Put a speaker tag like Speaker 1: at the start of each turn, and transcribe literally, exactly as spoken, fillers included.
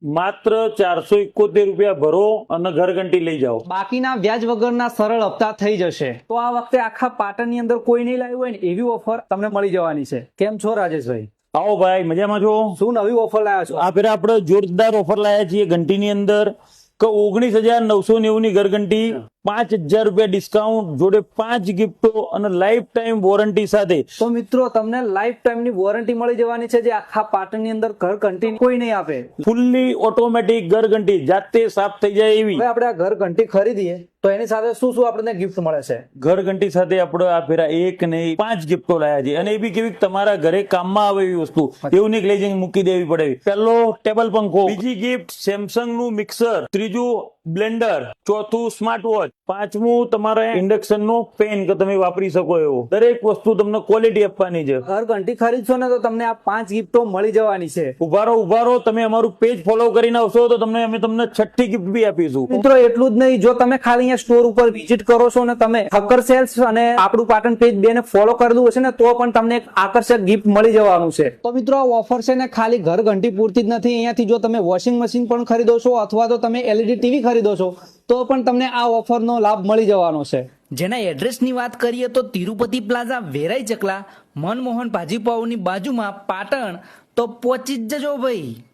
Speaker 1: માત્ર ચારસો એકોતેર રૂપિયા ભરો અને ઘરઘંટી લઈ જાઓ.
Speaker 2: બાકીના વ્યાજ વગરના સરળ હપ્તા થઈ જશે. તો આ વખતે આખા પાટણની અંદર કોઈ નહીં લાવ્યું હોય ને એવી ઓફર તમને મળી જવાની છે. કેમ છો રાજેશભાઈ?
Speaker 1: આવો ભાઈ, મજામાં છો?
Speaker 2: શું નવી ઓફર લાવ્યા છો?
Speaker 1: આ ફેર આપણે જોરદાર ઓફર લાયા છીએ ઘંટીની અંદર કે ઓગણીસ હજાર નવસો નેવું ની ઘરઘંટી, પાંચ હજાર રૂપિયા ડિસ્કાઉન્ટ જોડે પાંચ ગિફ્ટો અને લાઈફ ટાઈમ વોરંટી સાથે.
Speaker 2: તો મિત્રો તમને લાઈફ ટાઈમ ની વોરંટી મળી જવાની છે, જે આખા પાટણની અંદર ઘર ઘંટી કોઈ નહીં આપે.
Speaker 1: ફૂલ્લી ઓટોમેટિક ઘરઘંટી જાતે સાફ થઈ જાય એવી.
Speaker 2: હવે આપણે આ ઘર ઘંટી ખરીદીએ તો એની સાથે શું શું આપણને ગિફ્ટ મળે છે?
Speaker 1: ઘરઘંટી સાથે આપણે આ ફેરા એક નહીં પાંચ ગિફ્ટો લાયા છે, અને એ બી કેવી તમારા ઘરે કામમાં આવે એવી વસ્તુ, એવું નહીં લઈ જઈને મૂકી દેવી પડે. પહેલો ટેબલ પંખો, બીજી ગિફ્ટ સેમસંગ નું મિક્સર, ત્રીજું બ્લેન્ડર, ચોથું સ્માર્ટ વોચ, પાંચમું તમારે ઇન્ડક્શન નો પેન કે તમે વાપરી શકો એવો. દરેક વસ્તુ તમને ક્વોલિટી આપવાની છે.
Speaker 2: ઘર ઘંટી ખરીદશો ને તો તમને આ પાંચ ગિફ્ટો મળી જવાની છે.
Speaker 1: ઉભારો ઉભારો તમે અમારું પેજ ફોલો કરીને આવશો તો તમને અમે તમને છઠ્ઠી ગિફ્ટ બી આપીશું.
Speaker 2: મિત્રો એટલું જ નહીં, જો તમે ખાલી અહીંયા સ્ટોર ઉપર વિઝિટ કરો છો ને તમે ઠક્કર સેલ્સ અને આપણું પાટણ પેજ બે ને ફોલો કરેલું હશે ને તો પણ તમને એક આકર્ષક ગિફ્ટ મળી જવાનું છે. તો મિત્રો આ ઓફર છે ને ખાલી ઘર ઘંટી પૂરતી જ નથી. અહીંયાથી જો તમે વોશિંગ મશીન પણ ખરીદો છો અથવા તો તમે એલઈડી ટીવી ખરીદો છો તો પણ તમને આ ઓફરનો લાભ મળી જવાનો છે.
Speaker 3: જેના એડ્રેસની વાત કરીએ તો તિરુપતિ પ્લાઝા, વેરાઈ ચકલા, મનમોહન ભાજીપાઉની બાજુમાં પાટણ. તો પહોંચી જ જજો ભાઈ.